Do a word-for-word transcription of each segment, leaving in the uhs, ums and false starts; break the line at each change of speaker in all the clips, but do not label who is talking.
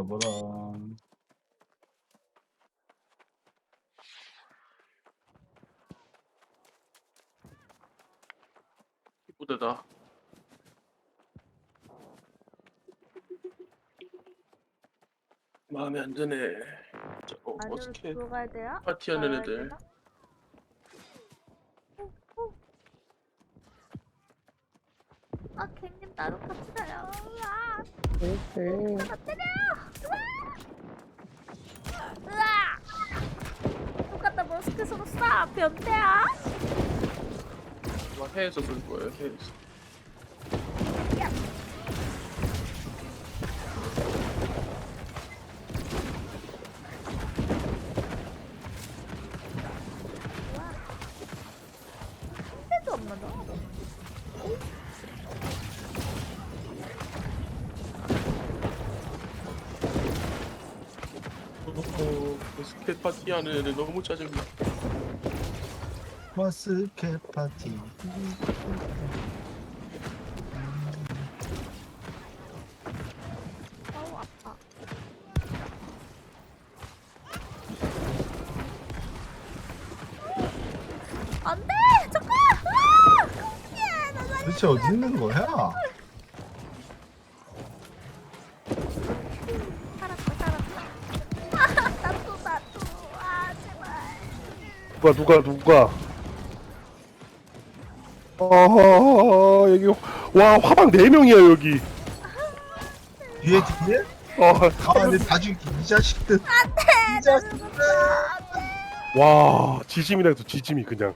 가보라.
이쁘다. 마음에 안 드네. 자, 어,
안으로
어떻게
들어가야 돼요?
파티하는
나가야
애들.
되나? 어, 어. 아, 갱님 나도 같이 가요. 으아,
네.
나 때려. 으아, 으아. 똑같다 머스크 서로 쏴. 변태야.
아마 해에서 쏠 거예요. 해에서.
야. 우와. 한 대도 안 맞아.
어, 스케이트 파티하는 애들 너무 짜증나.
마스켓 파티.
어우 아파. 안돼! 잠깐! 아! 깜짝이야! 나 살려.
도대체 어디 있는 거야?
살았다 살았다. 아, 나도 나도. 아 제발.
누가 누가 누가 어허허허 여기 와 화방 네 명이야 여기.
뒤에 뒤에?
어,
가만히 다 죽이 이 자식들. 이 자식들.
와 지짐이라 해서 지짐이 그냥.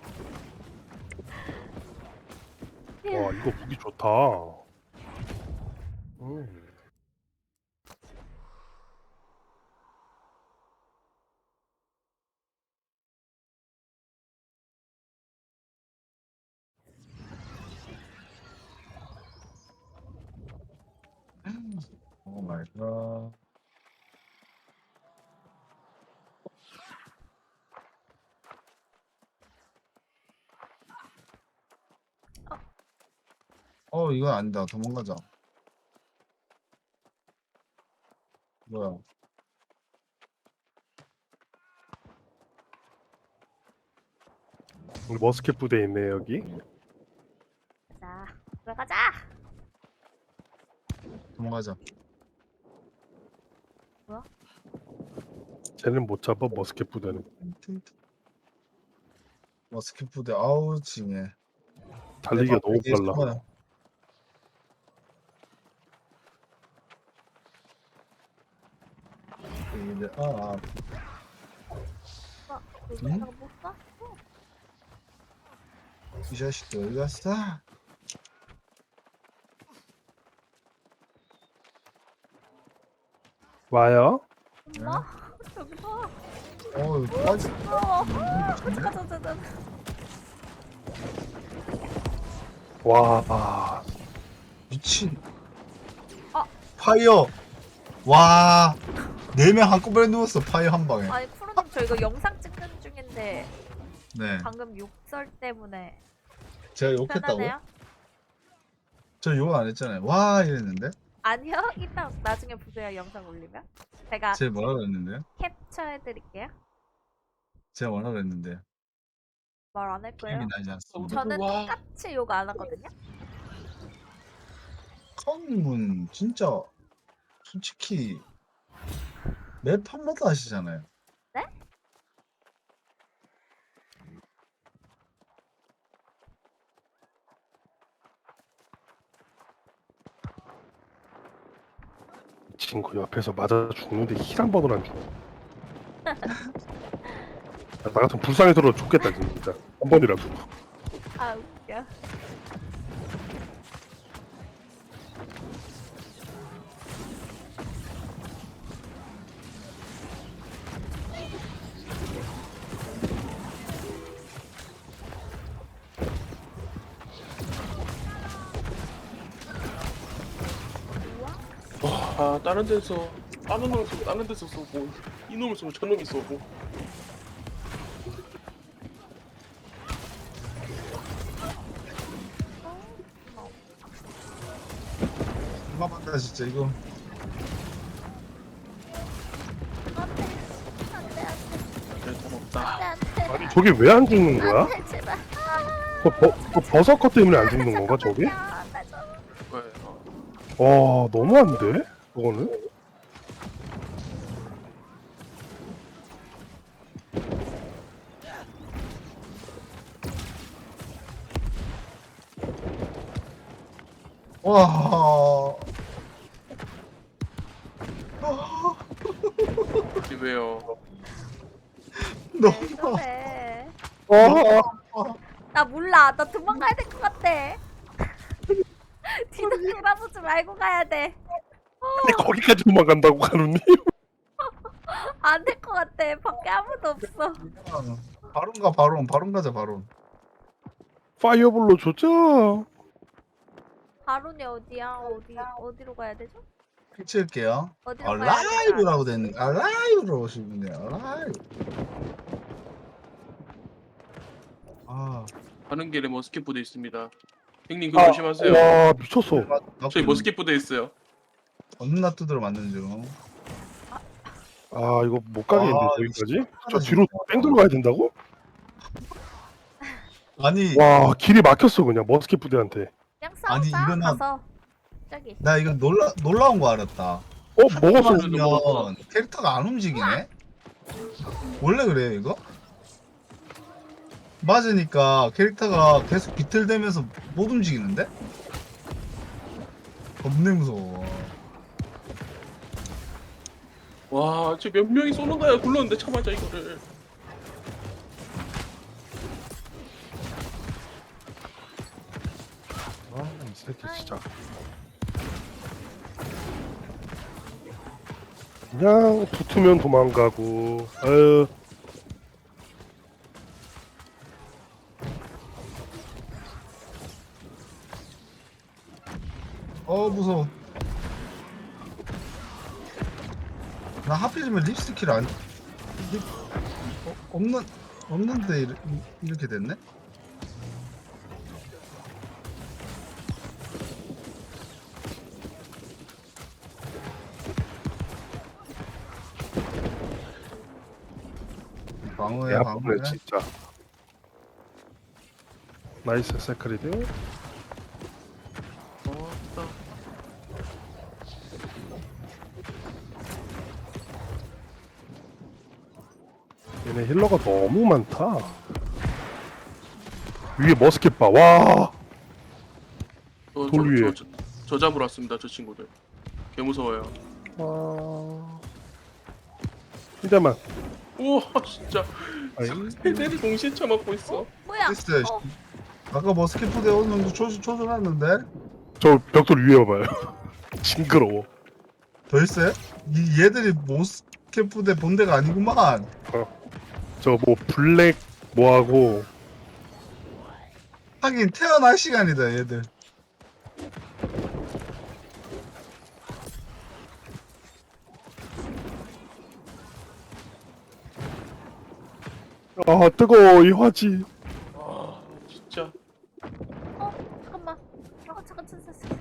와 이거 무기 좋다. 음.
오 마이 갓. 어 이건 아니다. 도망가자. 뭐야?
머스켓 부대 있네 여기.
자 들어가자.
도망가자.
쟤는 못 잡아 머스켓 부대는.
머스켓 부대 아우 징해.
달리기가 너무
이게
빨라.
잠깐만. 이제 아, 아
어 여기
응?
내가 못 써?
이 자식들 어디 갔어?
와요?
엄마 여기 봐.
어 빠지.
어. 잠깐 잠깐 잠깐.
와 아,
미친.
어.
파이어. 와. 네 명 한꺼번에 누웠어. 파이어 한 방에.
아니 프로님 저 이거 영상 찍는 중인데
네.
방금 욕설 때문에
제가 욕했다고요?
편하네요?
저 욕 안 했잖아요. 와 이랬는데.
아니요 이따 나중에 보세요 영상 올리면 제가
제가 뭐라 그랬는데요?
캡처해드릴게요.
제가 뭐라 그랬는데요?
말 안 할 거예요.
기억이 나지 않습니다.
저는
와.
똑같이 욕 안 하거든요.
컨님은 진짜 솔직히 매 판마다 하시잖아요.
네?
이 친구 옆에서 맞아 죽는데 힐 한 번을 안 줘. 나 같은 불쌍해 들어 죽겠다 진짜. 한 번이라도.
아 웃겨.
아, 다른 데서 다른 놈을 쏘고 다른 데서 쏘고 이놈을 쏘고 저놈이 쏘고.
얼마만다 진짜 이거.
저게 왜 안 죽는 거야?
안돼 제발.
그 버, 그 버서커 때문에 안 죽는 건가 저게?
아, 나 좀-
왜? 어.
와 너무한데? 저거는?
와.
이게 왜요?
왜
너무.
저래?
아,
나 몰라. 나 도망가야 될 것 같아. 뒤도 돌아보지 말고 가야 돼.
아니 거기까지 도망간다고 가루님?
안 될 것 같아. 밖에 아무도 없어.
바론 가 바론 바론 가자 바론.
파이어볼로 줬죠?
바론이 어디야? 어디 어디로 가야 되죠?
피치할게요.
어디로
아,
가야 되나?
라이브라고 됐네. 아, 라이브로 오시네요. 라이브. 아,
가는 길에 머스켓 부대 있습니다. 형님 그거 조심하세요.
와 미쳤어.
저희 머스켓 부대 있어요.
없는 놔두드려 맞는 중.
아 이거 못 가겠는데
아,
저기까지? 저
진짜.
뒤로 뺑 돌아가야 된다고?
아니,
와 길이 막혔어 그냥 머스켓 부대한테.
그냥
아니,
싸우자.
이거는-
가서 저기.
나 이거 놀라 놀라운 거 알았다.
어 먹었어.
그래도 먹었어.
맞으면 캐릭터가 안 움직이네. 원래 그래요 이거? 맞으니까 캐릭터가 계속 비틀대면서 못 움직이는데? 겁내 무서워.
와, 저 몇 명이 쏘는 거야 굴렀는데 참아자 이거를.
아이 새끼 진짜. 그냥 붙으면 도망가고. 아유.
어 무서워. 나 하필이면 립스틱을 안 립, 어, 없는 없는데 이렇게, 이렇게 됐네? 방어해
야
방어해.
보네 진짜. 나이스 세크리드.
어, 나
얘네 힐러가 너무 많다. 위에 머스켓 봐. 와.
저,
돌
저,
위에.
저, 저, 저 잡으러 왔습니다 저 친구들. 개 무서워요.
와. 한 대만.
우와 진짜
아이.
세대를 동시에 쳐맞고 있어.
뭐야?
됐어요.
어,
아까 뭐 스키프대 어느 정도 초, 초절했는데
저 벽돌 위에 봐봐요. 징그러워.
더 있어요? 이 얘들이 모스캠프대 본대가 아니구만.
저 뭐 블랙 뭐하고
하긴 태어날 시간이다 얘들.
아 뜨거워 이 화지.
아 진짜.
어, 잠깐만. 어, 잠깐, 잠깐, 잠깐.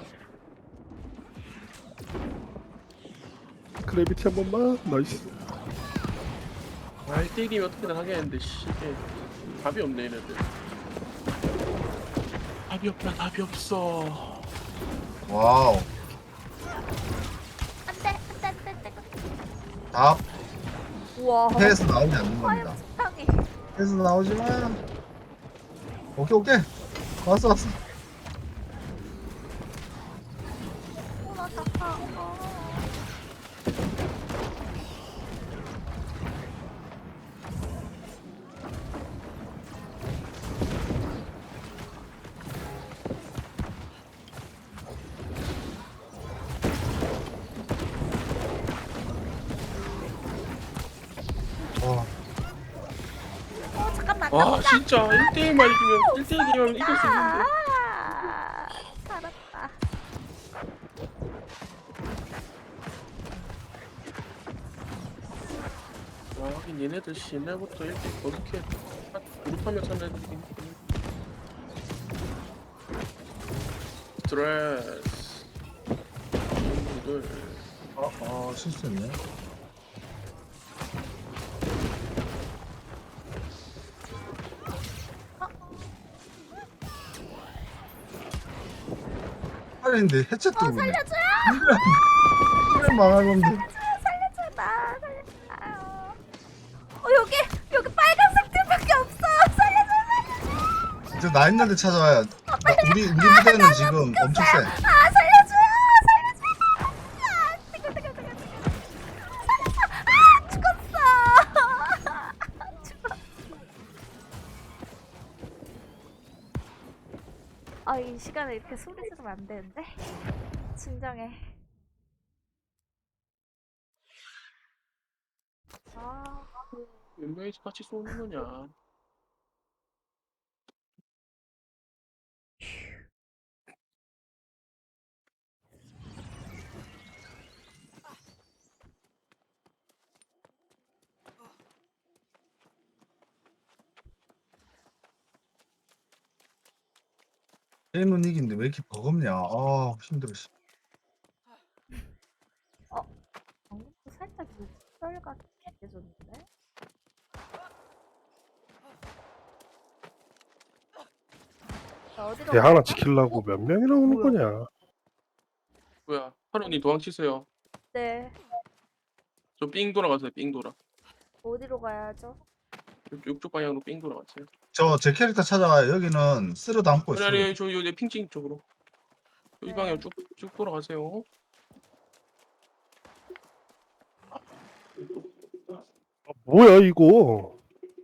그래비티 한 번만. 나이스.
아 일 대 일이면 어떻게든 하겠는데 씨 이게 답이 없네 얘네들. 답이 없다 답이 없어.
와우.
안 돼, 안 돼, 안 돼, 안 돼.
답
우와.
해에서 나오지 않는 겁니다.
화염 식당이.
해에서 나오지만 오케이 오케이 왔어 왔어.
어, 나 잠깐. 어.
와.
어, 잠깐만. 나
와 진짜 일 대 일만 이기면 일 대 일 게임하면 이길 수 있는데.
아, 살았다.
와 하긴 얘네들 씨 옛날부터 이렇게 어떻게 그룹하며 사는 애들이 스트레스 친구들.
아, 아 실수했네. 살아있는데 해체도
어
오네.
살려줘요.
이런 망할 놈들.
살려줘 나 살려줘. 아유. 어 여기 여기 빨간색 팀밖에 없어. 살려줘 살려줘.
진짜 나 있는데 찾아와요. 나, 우리 우리 부대는 지금 엄청 세.
아 살려줘요 살려줘. 아 뜨거 뜨거 뜨거 뜨거. 살려줘. 아 죽었어. 죽었어. 아 이 시간에 이렇게 소리 지르면 안 되는데. 진정해. 아.
몇 명이서 같이 쏘는 거냐?
게임은 이긴데 왜 이렇게 버겁냐? 아 힘들어. 씨.
방금도 살짝 육설 같게 해줬는데? 자, 어디로
대
가야
하나
돼?
지키려고 몇 명이나 오는
뭐야?
거냐?
뭐야? 하루님 도망치세요.
네.
저 삥 돌아가세요. 삥 돌아.
어디로 가야죠?
육- 육쪽 방향으로 삥 돌아가세요.
저 제 캐릭터 찾아와요. 여기는 쓸어 담고
아니
있어요.
아니 저 여기 핑칭 쪽으로. 이
네.
방향 쭉쭉 돌아가세요.
아, 뭐야 이거?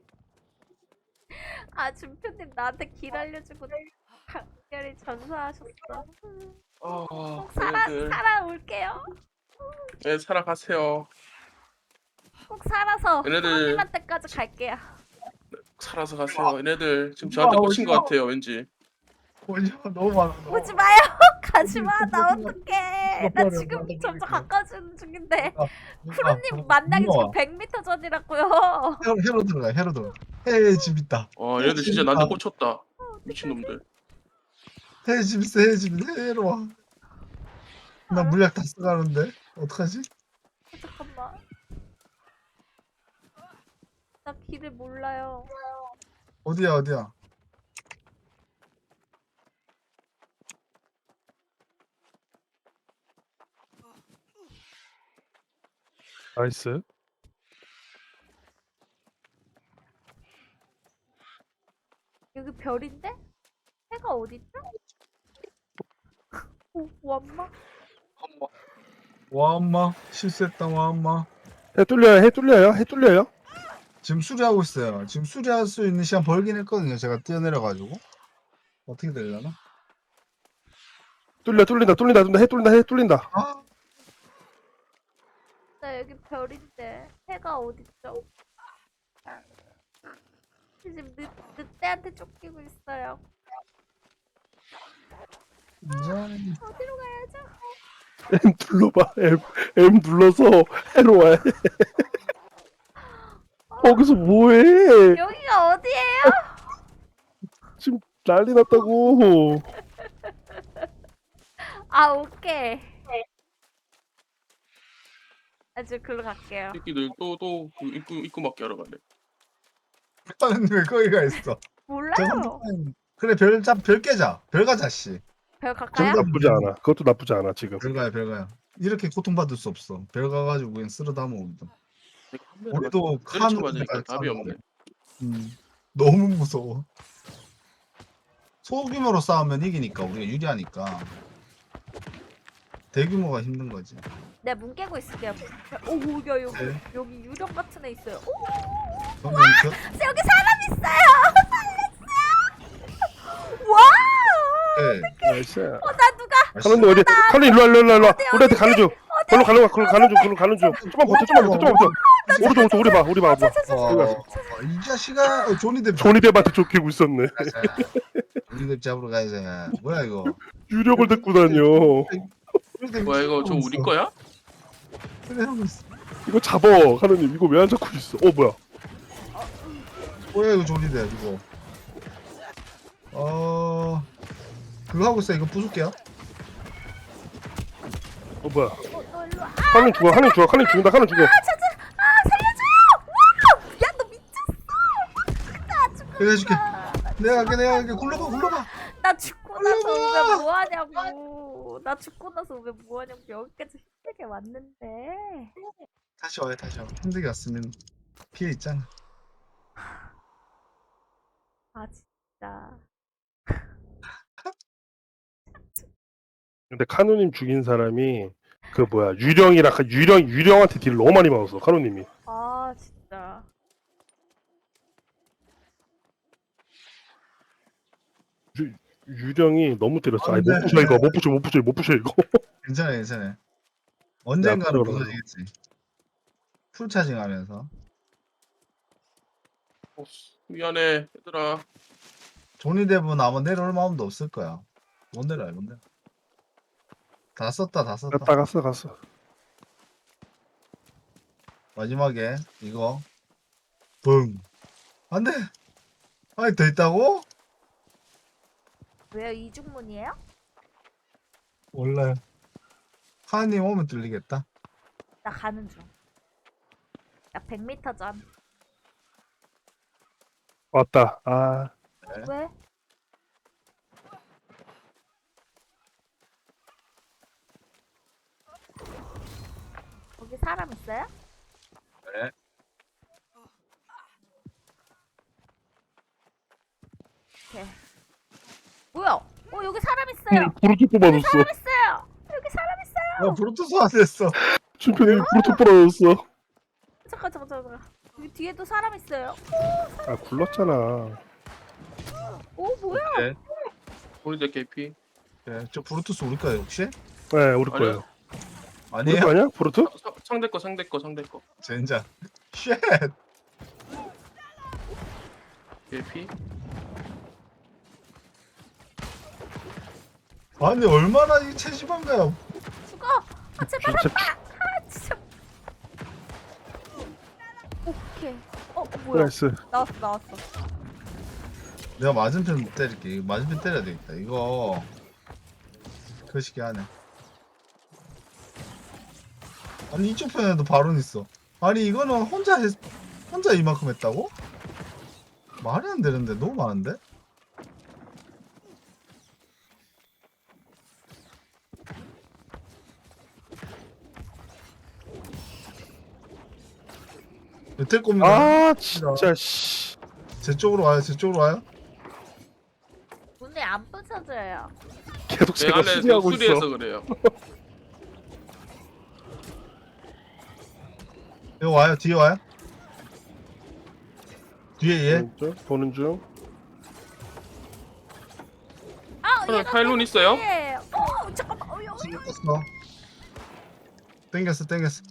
아, 준표님 나한테 길 알려주고 각별히 전사하셨어.
아,
꼭 살아,
얘네들.
살아올게요.
네, 살아가세요.
꼭 살아서
얘네들.
프로님한테까지 갈게요.
살아서 가세요. 얘네들 지금 저한테
와,
꽂힌 것
오지마.
같아요. 왠지.
오지 마, 너무 많아. 너무
오지 마요. 가지마. 나
어디,
어떡해. 나
어디,
지금
어디,
점점
어디.
가까워지는 중인데.
많아.
프로님 만나기
우와.
지금 백 미터 전이라고요.
해로, 해로 들어가. 해로 들어가. 해에 집 있다.
와, 얘네들 진짜 나한테 꽂혔다. 미친놈들.
해에 집 있어. 해에 집 있어. 해로 와. 나 물약 다 써가는데 어떡하지?
어, 잠깐만. 나 길을 몰라요.
어디야 어디야?
나이스.
여기 별인데? 해가 어딨죠? 오, 완마?
와 엄마 실수했다 와 엄마.
해 뚫려요. 해 뚫려요. 해 뚫려요.
지금 수리하고 있어요. 지금 수리할 수 있는 시간 벌긴 했거든요. 제가 뛰어내려가지고 어떻게 되려나?
뚫려 뚫린다 뚫린다 뚫린다 해 뚫린다 해 뚫린다.
아
나 여기 별인데 해가 어딨죠? 지금 늑, 늑대한테 쫓기고 있어요.
이제
어디로 가야죠?
M 눌러봐. M M 눌러서 해로 와. 거기서 뭐해?
여기가 어디예요?
지금 난리 났다고.
아, 오케이. 아주 글로 갈게요.
새끼들 또또 그 입구 입구 막게 하러 가네.
일단은 왜 거기가 있어?
몰라요.
저 그래 별잡별 깨자. 별 가자 씨.
별 갈까요?
정답.
나쁘지 않아. 그것도 나쁘지 않아 지금.
별 가요 별 가요. 이렇게 고통받을 수 없어. 별 가가지고 그냥 쓸어 담아 우리도.
내가 한 명을
우리도
때려쳐
칸
맞으니까 답이 없네.
음, 너무 무서워. 소규모로 싸우면 이기니까 우리가 유리하니까. 대규모가 힘든 거지.
내가 문 깨고 있을게요. 오, 야 여기
네.
여기 유령 같은 애 있어요. 오,
그럼 여기 저-
여기 사람 있어요. 살렸어요. 와,
네.
나이스.
어, 나 누가?
카론님 어디? 카론님 일로 와 일로 와 일로 와. 우리한테 가는 중. 걸로 가는 거야. 걸로 가는 중. 걸로 가는 중. 좀만 버텨. 좀만 버텨. 좀만 버텨. 오른쪽 오른쪽 우리 봐. 우리 봐. 우리 봐.
어, 이 자식아 어, 조니뎁
조니뎁한테 쫓기고 있었네.
조니뎁 잡으러 가야지. 뭐야 이거?
유력을 데리고 다녀.
뭐야 이거 저 우리 거야?
그래 하고 있어.
이거 잡어. 카론님 이거 왜 안 잡고 있어? 어 뭐야?
뭐야 이거 조니뎁 이거? 어 그거 하고 있어. 이거 부술게요.
어 뭐야?
어, 너 일로 와.
카론 죽어. 카론 죽어. 카론 죽는다. 카론 죽어.
아, 찾아. 아, 살려줘요. 와, 야, 너 미쳤어. 나 죽고.
내가 해줄게. 내가 할게 내가 할게. 굴러가 굴러가.
나 죽고 나서 오면 뭐 하냐고. 나 죽고 나서 왜 뭐하냐고 여기까지 힘들게 왔는데.
다시 와요 다시 와. 힘들게 왔으면 피해 있잖아.
아 진짜.
근데 카누님 죽인 사람이 그 뭐야 유령이랑 그 유령 유령한테 딜을 너무 많이 맞았어 카누님이.
아 진짜.
유, 유령이 너무 때렸어. 아니
안 돼.
못 부셔 이거 못 부셔 못 부셔 못 부셔 이거.
괜찮아 괜찮아. 언젠가는
앞으로
부서지겠지. 풀 차징하면서.
어, 미안해 얘들아.
존이 대부분 아마 내려올 마음도 없을 거야. 못 내려요 못 내려. 다 썼다 다 썼다.
갔다 갔어 갔어.
마지막에 이거 붕. 안돼. 아니 더 있다고?
왜요? 이중문이에요?
몰라요. 하나님 오면 뚫리겠다.
나 가는 중. 나 백 미터 전.
왔다. 아
왜? 거기 사람 있어요?
네.
오케이. 뭐야? 어 여기 사람 있어요.
브루트 뽑아줬어.
사람 있어요. 여기 사람 있어요.
야 브루투스 안 됐어.
춘편이 브루트 뽑아줬어.
잠깐 잠깐 잠깐. 여기 뒤에도 사람 있어요.
아 굴렀잖아.
오 뭐야?
네.
우리들 개피.
네. 저 브루투스 우리 거예요 혹시?
네 우리 거예요. 우리
아니에요?
거 아니야 브루트?
사- 상대 거 상대 거 상대 거.
젠장. 쉣.
개피.
아니 얼마나 이 체지방가요?
죽어. 아 제발
진짜
한 방. 아 진짜. 오케이. 어 뭐야?
나이스.
나왔어 나왔어.
내가 맞은편 때릴게. 이거 맞은편 때려야 되겠다. 이거 거시기 하네. 아니 이쪽 편에도 바론 있어. 아니 이거는 혼자 했, 혼자 이만큼 했다고? 말이 안 되는데 너무 많은데? 될 겁니다.
아 진짜 씨.
제 쪽으로 와요. 제 쪽으로 와요.
문이 안 부서져요.
계속
내
제가
안에
수리하고 있어.
수리해서 그래요.
여기 와요. 뒤에 와요. 뒤에 얘.
보는 중, 보는 중.
아
하나
얘가
파일론
계속
있어요?
뒤에. 어 잠깐만. 어 여기.
땡겼어. 땡겼어. 땡겼어.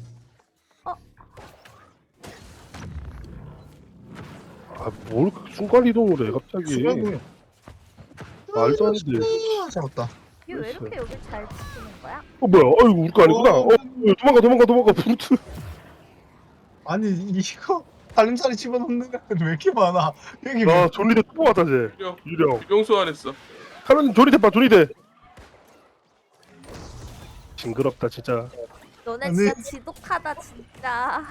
아뭘 순간 이동을 해 갑자기.
수박이.
말도 안 돼.
아, 잡았다.
이게 왜 이렇게 여기 잘 지키는 거야?
어 뭐야? 아이고 우리 거 아니구나. 어 도망가 도망가 도망가 브루트.
아니 이거 달림살이 집어넣는 애들 왜 이렇게 많아? 여기
아 존리대 또 왔다 쟤.
유령.
유령.
유령 소환했어.
카노님 존리대 봐 존리대. 징그럽다 진짜.
너네
아니.
진짜 지독하다 진짜.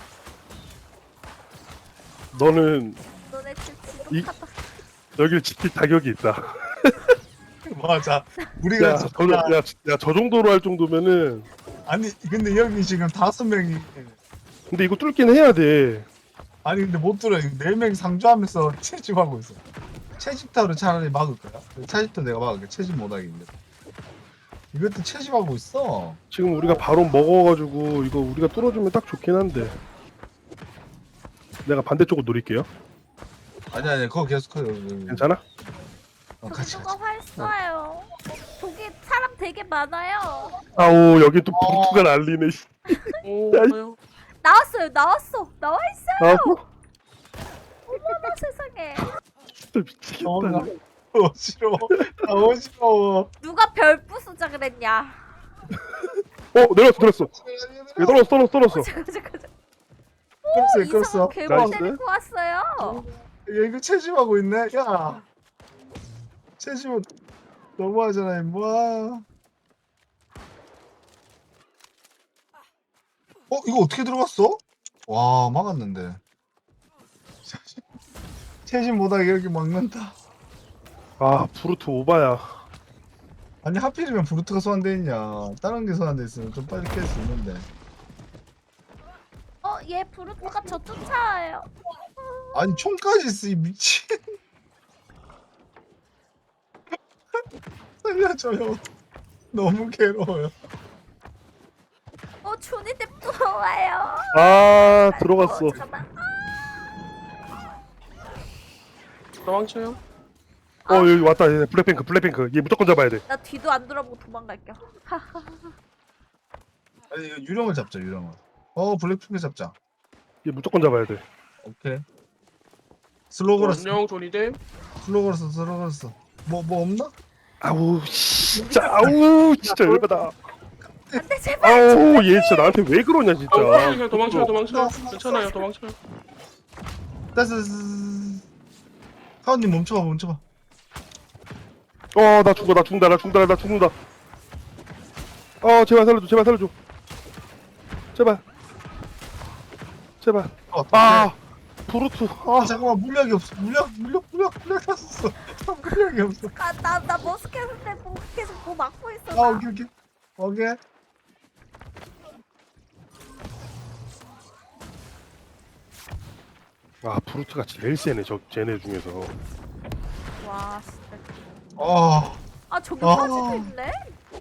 너는
너네 진짜
이-
지독하다.
여기를 지킬 자격이 있다.
맞아. 우리가
야,
진짜-
저, 야, 야, 저 정도로 할 정도면은.
아니 근데 여기 지금 다섯 명이
근데 이거 뚫긴 해야 돼.
아니 근데 못 들어. 네 명 상주하면서 채집하고 있어. 채집타로 차라리 막을 거야. 채집타 내가 막을게. 채집 못하겠는데. 이것도 채집하고 있어.
지금 우리가 바로 먹어가지고 이거 우리가 뚫어주면 딱 좋긴 한데. 내가 반대쪽으로 노릴게요.
아니 아니 그거 계속 커요.
괜찮아?
어,
저기
같이
누가
같이.
활 쏴요. 저기 사람 되게 많아요.
아우 여기 또
어.
브루트가 날리네. 씨.
오.
야, 이-
아유.
나왔어요 나왔어 나와 있어요.
나왔어?
어머나 세상에.
진짜 미치겠다.
어, 나 어지러워. 나 어지러워.
누가 별 부수자 그랬냐.
어 내렸어 내렸어. 얘 떨어졌어 떨어졌어 떨어졌어.
잠깐 잠깐 잠깐.
끌었어
이상한
끌었어.
괴물
나이스.
데리고 왔어요.
야 이거 채집하고 있네. 야 채집은 너무하잖아 임마. 어 이거 어떻게 들어갔어? 와 막았는데. 채집 못하게 이렇게 막는다.
아 브루트 오바야.
아니 하필이면 브루트가 소환돼 있냐. 다른 게 소환돼 있으면 좀 빨리 깰 수 있는데.
어, 얘 브루트가 저 쫓아와요.
아니 총까지 쓰이 미친. 살려줘요. 너무 괴로워요.
어, 준이 냅또 와요.
아 들어갔어.
어, 잠깐만.
도망쳐요.
어 여기 왔다. 얘 블랙핑크 블랙핑크. 얘 무조건 잡아야 돼.
나 뒤도 안 돌아보고 도망갈게요.
아니 이거 유령을 잡자 유령을. 어 블랙핑크 잡자.
얘 무조건 잡아야 돼.
오케이. 슬로우 걸었어.
안녕 조니댐.
슬로우 걸었어 슬로우 걸었어. 뭐 뭐 없나?
아우 진짜 아우 진짜 열받아.
안돼 제발.
아우 얘 진짜 나한테 왜 그러냐 진짜.
어, 그냥 도망쳐요 도망쳐요. 괜찮아요 도망쳐요.
됐어 됐어. 됐어. 하원님 멈춰봐 멈춰봐.
어나 죽어 나 죽는다 나 죽는다 나 죽는다. 어 제발 살려줘 제발 살려줘. 제발. 제발.
어,
아 브루트.
아
아
잠깐만 물약이 없어. 물약 물약 물약 물약 샀어. 물약이 없어.
아나나 머스켓인데 뭐 계속 뭐 막고 있어.
아
나.
오케이 오케이 오케이.
아 브루트가 제일 세네 저 쟤네 중에서.
와 진짜.
아
아 저기
아.
화지도 있네.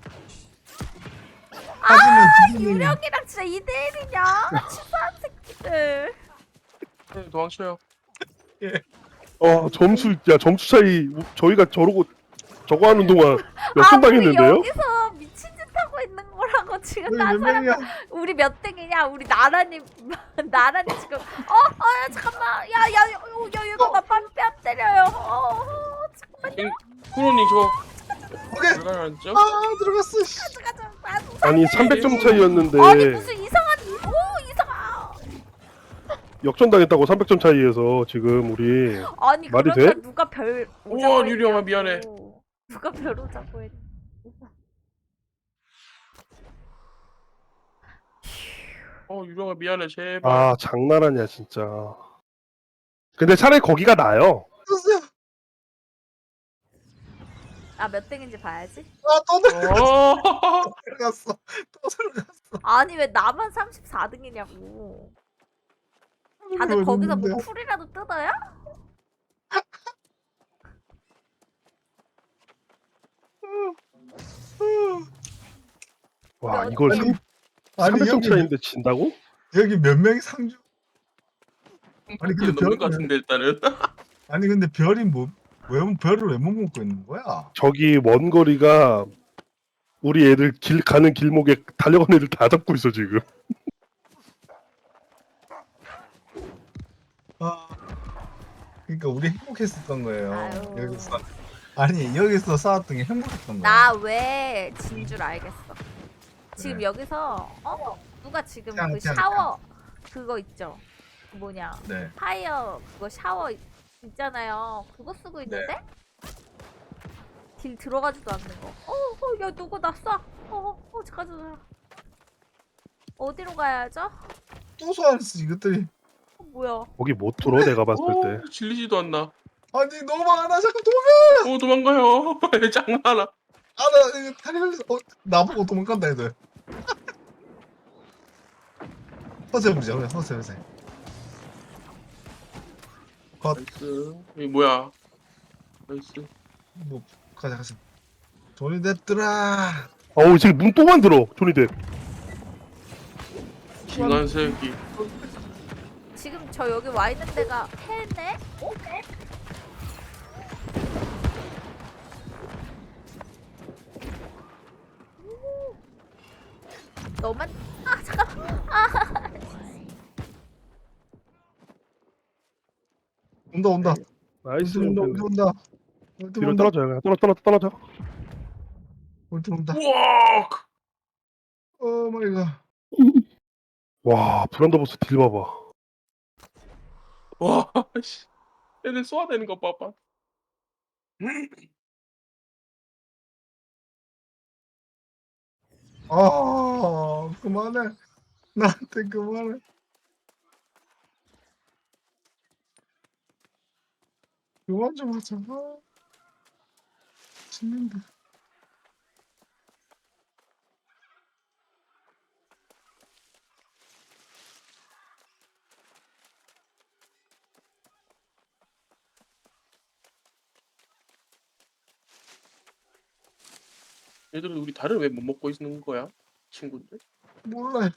하지만 기분이
유령이랑 진짜 이 대 일이냐? 치사한 새끼들.
네, 도망쳐요.
어 점수 야 점수 차이 우- 저희가 저러고 저거 하는 동안
아
몇점
우리
당했는데요?
여기서 미친 짓 하고 있는 거라고 지금
우리
딴
몇
사람
명이야?
우리 몇 등이냐? 우리 나란히 나란히 지금 어어 잠깐만 야야 야, 야, 야, 이거 나 뺨 때려요. 어, 어 잠깐만요.
쿠로님 저
오케이.
들어가죠?
아 들어갔어. 씨.
가자 가자.
아니 삼백 점 차이였는데
아니 무슨 이상한 오 이상한.
역전당했다고 삼백 점 차이에서 지금 우리
아니
말이
그러니까
돼?
누가 별
우와,
오자고
유령아,
했냐고.
미안해.
누가 별 오자고 했.
어 유령아 미안해 제발.
아 장난하냐 진짜. 근데 차라리 거기가 나아요.
들어갔어요.
아몇 등인지 봐야지.
아또 들어갔어.
어.
들어갔어. 또 들어갔어.
아니 왜 나만 삼십사 등이냐고. 다들 거기서 뭐 풀이라도 뜯어요?
와
아니,
이걸
아니,
삼-
아니
삼백 점
여기
차이인데 진다고?
여기 몇 명이 상주? 아니 근데
넘는
별은
것 같은데 일단은.
아니 근데 별이 뭐왜 별을 왜 못 먹고 있는 거야?
저기 먼 거리가 우리 애들 길 가는 길목에 달려간 애들 다 잡고 있어 지금.
아 그러니까 우리 행복했었던 거예요.
아유.
여기서 아니 여기서 싸웠던 게 행복했던 거야.
나 왜 진 줄 알겠어. 지금
네.
여기서 어 누가 지금
그냥,
그
그냥,
샤워 그거 있죠? 그 뭐냐
네.
파이어 그거 샤워 있- 있잖아요. 그거 쓰고 있는데 딜 들어가지도 않는 거. 어, 어, 야 누구 나 쏴. 어, 어, 잠깐 잠깐. 어디로 가야죠?
또 소환했어 이것들이.
어, 뭐야?
거기 못 들어 내가 봤을 때.
오, 질리지도 않나.
아니 너무 많아 잠깐 도망가.
오 도망가요. 장난아.
아나 이거 다리 걸려서 어 나보고 도망간다 애들. 허세 보자 그래 허세 허세. 컷.
나이스. 이게 뭐야? 나이스.
뭐 가자 가자. 돈이 됐더라.
어우 지금 문 또 만들어 조니데.
기관 새끼.
지금 저 여기 와 있는 데가 해네? 어? 너만 아 잠깐 아
온다 온다.
나이스.
온다 온다 온다. 온다.
뒤로
온다.
떨어져 그냥 떨어 떨어 떨어져.
온다 온다.
우와.
오 마이 갓.
와 브란더 보스 딜 봐봐.
와. 씨. 애들 쏘아대는 거 봐봐.
아 그만해. 나한테 그만해. 그만 좀 하자. 아, 죽는다.
얘들은 우리 달을 왜 못 먹고 있는 거야? 친구들?
몰라.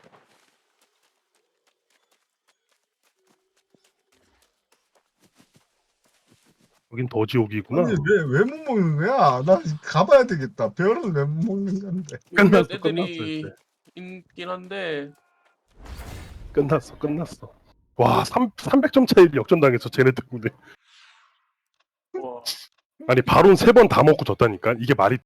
여긴 더 지옥이구나.
아니 왜왜 못 먹는 거야? 나 가봐야 되겠다. 별은 왜 못 먹는 건데?
끝났어,
몇몇
끝났어,
애들이
이제.
있긴 한데
끝났어, 끝났어. 와, 삼 삼백 점 차이 역전당했어, 쟤네 때문에.
와
아니, 바론 세 번 다 먹고 졌다니까? 이게 말이